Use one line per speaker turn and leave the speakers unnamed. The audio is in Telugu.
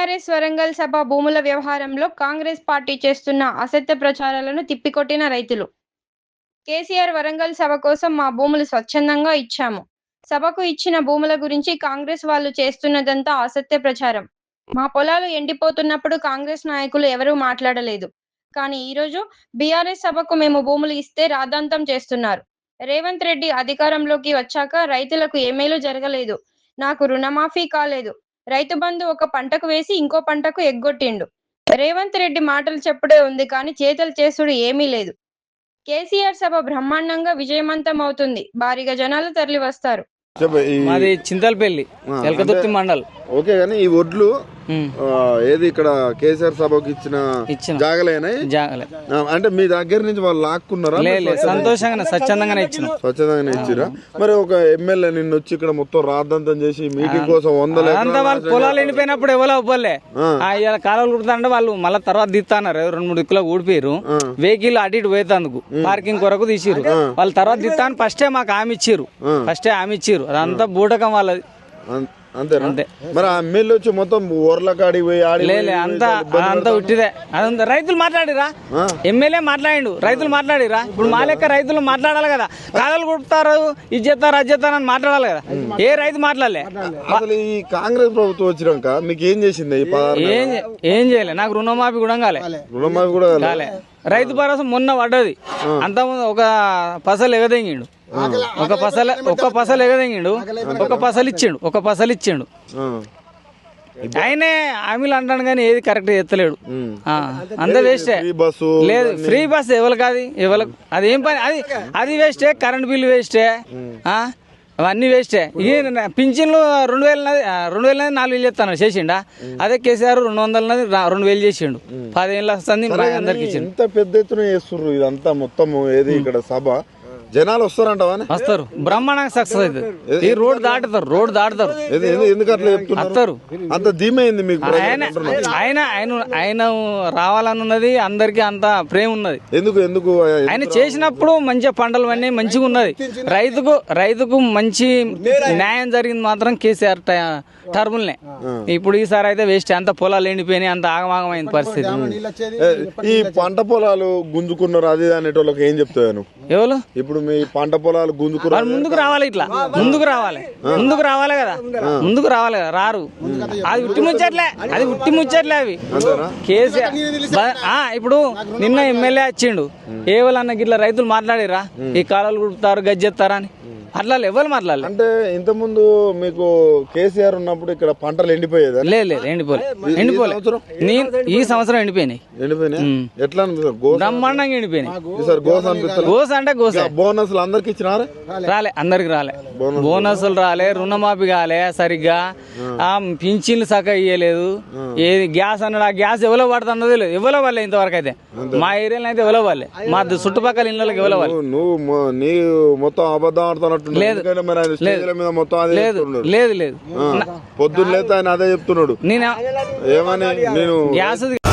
బీఆర్ఎస్ వరంగల్ సభ భూముల వ్యవహారంలో కాంగ్రెస్ పార్టీ చేస్తున్న అసత్య ప్రచారాలను తిప్పికొట్టిన రైతులు. కేసీఆర్ వరంగల్ సభ కోసం మా భూములు స్వచ్ఛందంగా ఇచ్చాము. సభకు ఇచ్చిన భూముల గురించి కాంగ్రెస్ వాళ్ళు చేస్తున్నదంతా అసత్య ప్రచారం. మా పొలాలు ఎండిపోతున్నప్పుడు కాంగ్రెస్ నాయకులు ఎవరూ మాట్లాడలేదు. కానీ ఈరోజు బీఆర్ఎస్ సభకు మేము భూములు ఇస్తే రాద్ధాంతం చేస్తున్నారు. రేవంత్ రెడ్డి అధికారంలోకి వచ్చాక రైతులకు ఏ మేలు జరగలేదు. నాకు రుణమాఫీ కాలేదు. రైతు బంధు ఒక పంటకు వేసి ఇంకో పంటకు ఎగ్గొట్టిండు. రేవంత్ రెడ్డి మాటలు చెప్పుడే ఉంది కానీ చేతలు చేసుడు ఏమీ లేదు. కేసీఆర్ సభ బ్రహ్మాండంగా విజయవంతం అవుతుంది. భారీగా జనాలు తరలి వస్తారు.
మాది చింతలపల్లి, ఎలకతుర్తి మండల్.
ఓకే, కానీ ఈ ఒడ్లు ఏది ఇక్కడ కేసీఆర్ సభకు ఇచ్చిన జాగలేనా?
జాగలే
అంటే మీ దగ్గర నుంచి వాళ్ళు లాక్కున్నారా?
సంతోషంగానే స్వచ్ఛందంగానే
ఇచ్చిరా. మరి ఒక ఎమ్మెల్యే నిన్న వచ్చి ఇక్కడ మొత్తం రాద్దంతం చేసి మీటింగ్ కోసం
వాళ్ళ పొలాలు ఎండిపోయినప్పుడు ఎవరో అవ్వలే కాలువలు కుడుతుంటే వాళ్ళు మళ్ళీ తర్వాత దిత్తన్నారు. 2-3 దిక్కులో ఊడిపోయారు. వెహికల్ అటు ఇటు పోయేందుకు పార్కింగ్ కొరకు తీసిరు. వాళ్ళు తర్వాత దిత్తాను ఫస్టే మాకు హామీ ఇచ్చిర్రు. అదంతా బూటకం వాళ్ళది.
అంతే. మరి ఆ ఎమ్మెల్యే వచ్చి మొత్తం ఊర్ల కాడికి పోయి
అంతా ఉట్టిదే. అదంతా రైతులు మాట్లాడిరా, ఎమ్మెల్యే మాట్లాడిండు, రైతులు మాట్లాడిరా. ఇప్పుడు మా లెక్క రైతులు మాట్లాడాలి కదా. కాలాలు కుడతారు, ఇది చేస్తారు, అది చేస్తారు అని మాట్లాడాలి కదా. ఏ రైతు మాట్లాడలే.
అసలు ఈ కాంగ్రెస్ ప్రభుత్వం వచ్చినాక మీకు ఏం చేసింది?
ఏం చేయలే. నాకు రుణమాఫీ కూడా కాలే. రైతు భరోసా మొన్న పడ్డది. అంతకుముందు ఒక పసలు ఎగదెంగిండు, ఒక పసలు ఇచ్చిండు. ఆయనే హామీలు అంటాడు కానీ ఏది కరెక్ట్ చేస్తలేడు. అంత వేస్టే. లేదు ఫ్రీ బస్ ఎవరికి అదేం పని, అది వేస్టే. కరెంట్ బిల్లు వేస్టే, అవన్నీ వేస్టే. పింఛన్లు 2000 4,000 చేస్తాను చేసిండా. అదే కేసీఆర్ 200 2,000 చేసిండు. 10 ఏళ్ళు వస్తుంది అందరికి.
ఎంత పెద్ద ఎత్తున చేస్తుర్రు ఇదంతా మొత్తం. ఏది ఇక్కడ సభ జనాలు
వస్తారు బ్రహ్మాండంగా సక్సెస్ అవుతుంది. ఈ రోడ్ దాటుతారు.
ఎందుకు అట్లా చెప్తున్నారు? అంత ధీమైంది మీకు?
ఆయన రావాలన్నది అందరికి అంత ప్రేమ ఉన్నది.
ఎందుకు
ఆయన చేసినప్పుడు మంచిగా పంటలు అన్నీ మంచిగా ఉన్నది. రైతుకు మంచి న్యాయం జరిగింది మాత్రం కేసీఆర్ టర్ములనే. ఇప్పుడు ఈసారి అయితే వేస్ట్. అంత పొలాలు ఎండిపోయినాయి, అంత ఆగమాగమైన పరిస్థితి.
ఈ పంట పొలాలు గుంజుకున్నారు అది అనేటోళ్ళకి ఏం చెప్తాను?
ఎవరు
ఇప్పుడు మీ పంట పొలాలు గుంజుకున్నారు,
ముందుకు రావాలి కదా. ముందుకు రావాలి కదా, రారు. అది ఉట్టి ముచ్చట్లే అవి. కేసీఆర్ ఇప్పుడు నిన్న ఎమ్మెల్యే వచ్చిండు. ఏ వాళ్ళన్న గిట్ల రైతులు మాట్లాడిరా ఈ కాలాలు కుడుతారు, గజ్జెత్తారా అని? అట్లా ఎవరు మాట్లాడలేదు.
అంటే ఇంత ముందు మీకు కేసీఆర్ ఉన్నప్పుడు ఇక్కడ పంటలు ఎండిపోయేదా?
లేదు ఎండిపోలే. ఈ సంవత్సరం ఎండిపోయినాయి.
ఎట్లా
బ్రహ్మాండంగా ఎండిపోయినాయి.
గోస అంటే బోనస్లు అందరికి ఇచ్చినారా?
అందరికి రాలే. బోనస్లు రాలే, రుణమాఫీ కాలే సరిగ్గా, పింఛన్లు సక్క ఇయ్యలేదు. ఏది గ్యాస్ అన్నాడు, ఆ గ్యాస్ ఎవరో పడుతున్నది లేదు. ఎవరో వాళ్ళే ఇంతవరకు అయితే. మా ఏరియాలో అయితే ఎవరో వాళ్ళే, మా చుట్టుపక్కల ఇళ్ళకి ఎవరో వాళ్ళు.
నువ్వు నీ మొత్తం అబద్ధం ఆడుతున్నట్టు.
లేదు
పొద్దున్న లేత ఆయన అదే చెప్తున్నాడు.
నేను
ఏమని? నేను
గ్యాస్